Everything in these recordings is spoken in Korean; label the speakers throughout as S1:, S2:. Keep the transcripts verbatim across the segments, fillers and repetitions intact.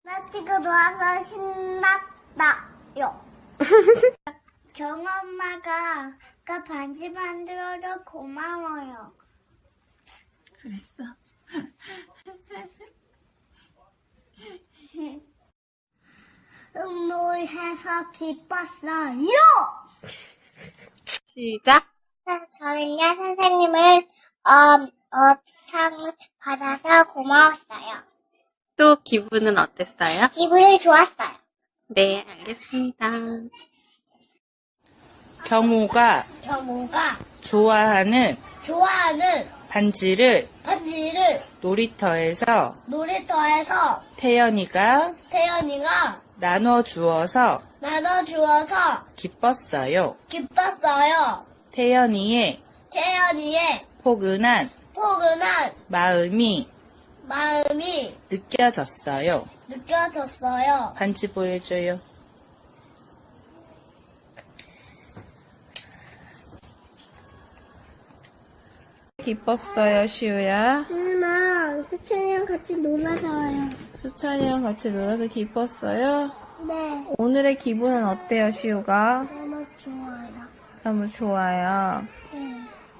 S1: 나 지금 놀아서 신났다요. 정엄마가 아까 반지 만들어서 고마워요.
S2: 그랬어.
S1: 응놀해서 기뻤어요.
S2: 시작.
S1: 저는요, 선생님을, 어, 어, 상을 받아서 고마웠어요.
S2: 또 기분은 어땠어요?
S1: 기분이 좋았어요.
S2: 네, 알겠습니다. 경호가
S1: 정우가
S2: 좋아하는
S1: 좋아하는
S2: 반지를
S1: 반지를
S2: 놀이터에서
S1: 놀이터에서
S2: 태연이가
S1: 태연이가
S2: 나눠주어서
S1: 나눠주어서
S2: 기뻤어요.
S1: 기뻤어요.
S2: 태연이의
S1: 태연이의
S2: 포근한
S1: 포근한
S2: 마음이
S1: 마음이
S2: 느껴졌어요.
S1: 느껴졌어요.
S2: 반지 보여줘요. 기뻤어요, 시우야.
S1: 엄마, 수찬이랑 같이 놀아서 와요.
S2: 수찬이랑 같이 놀아서 기뻤어요.
S1: 네,
S2: 오늘의 기분은 어때요, 시우가?
S1: 너무 좋아요.
S2: 너무 좋아요.
S1: 네.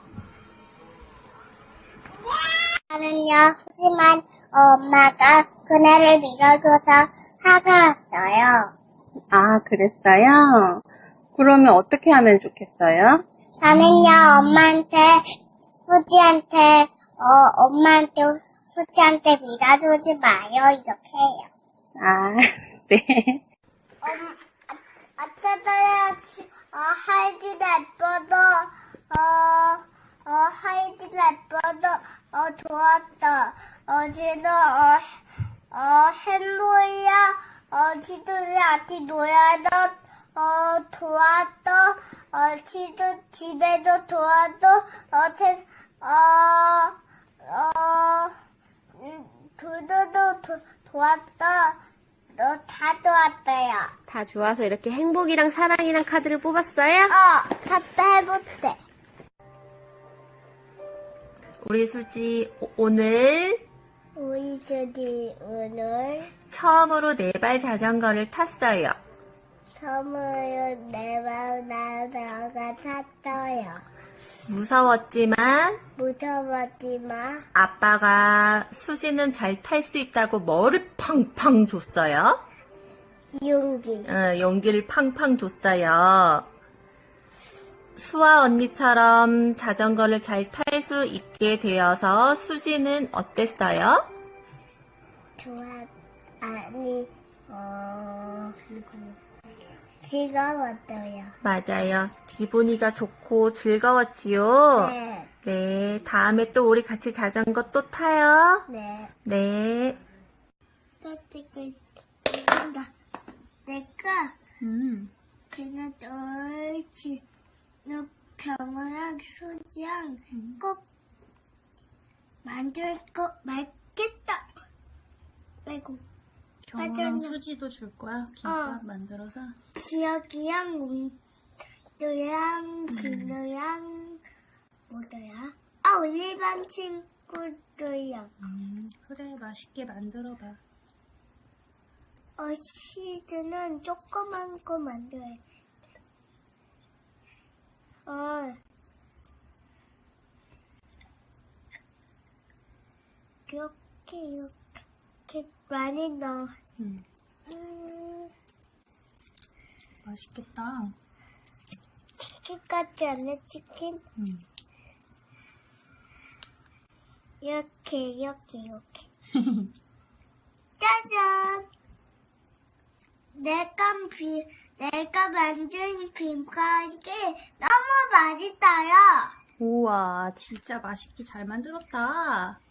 S1: 나는요, 하지만 엄마가 그네를 밀어줘서 화가 났어요.
S2: 아, 그랬어요? 그러면 어떻게 하면 좋겠어요?
S1: 저는요, 엄마한테, 후지한테, 어, 엄마한테, 후지한테 밀어주지 마요, 이렇게 해요.
S2: 아, 네.
S1: 엄, 아, 아따다야, 어, 하이디 예뻐도, 어, 어, 하이디 예뻐도, 어, 좋았다. 어제도, 어, 어, 햄보이야, 어, 지도를 같이 놀아도, 어, 좋았다. 어, 지도 집에도 좋아도, 어, 태, 어, 어, 음, 두두도 도, 좋았다. 너 다 좋았어요.
S3: 다 좋아서 이렇게 행복이랑 사랑이랑 카드를 뽑았어요?
S1: 어, 갔다 해볼게.
S3: 우리 수지 오- 오늘
S1: 우리 주디 오늘
S3: 처음으로 네발 자전거를 탔어요.
S1: 선물로 내방 나다가 탔어요.
S3: 무서웠지만
S1: 무서웠지만
S3: 아빠가 수지는 잘 탈 수 있다고 뭐를 팡팡 줬어요.
S1: 용기.
S3: 어, 용기를 팡팡 줬어요. 수아 언니처럼 자전거를 잘 탈 수 있게 되어서 수지는 어땠어요?
S1: 좋아. 아니, 어, 즐거웠어요.
S3: 맞아요. 기분이가 좋고 즐거웠지요?
S1: 네,
S3: 네, 다음에 또 우리 같이 자전거 또 타요.
S1: 네.
S3: 네.
S1: 찍고 있다. 내가
S3: 음.
S1: 지난 옳지. 너 병원랑 수지랑 꼭 만들 거 말겠다. 아이고.
S2: 경호랑
S1: 맞아요.
S2: 수지도 줄 거야? 김밥
S1: 어.
S2: 만들어서?
S1: 지혁이랑 웅두랑 진우랑 뭐더라? 아 올리반 친구들이랑
S2: 음, 그래, 맛있게 만들어봐.
S1: 어 시즈는 조그만 거 만들어야 돼. 어 이렇게 이렇게 많이 넣어.
S2: 음,
S1: 음,
S2: 맛있겠다.
S1: 치킨 같지 않네 치킨.
S2: 음.
S1: 이렇게 이렇게 이렇게 짜잔 내가 비 내가 만든 김밥이 너무 맛있어요.
S2: 우와, 진짜 맛있게 잘 만들었다.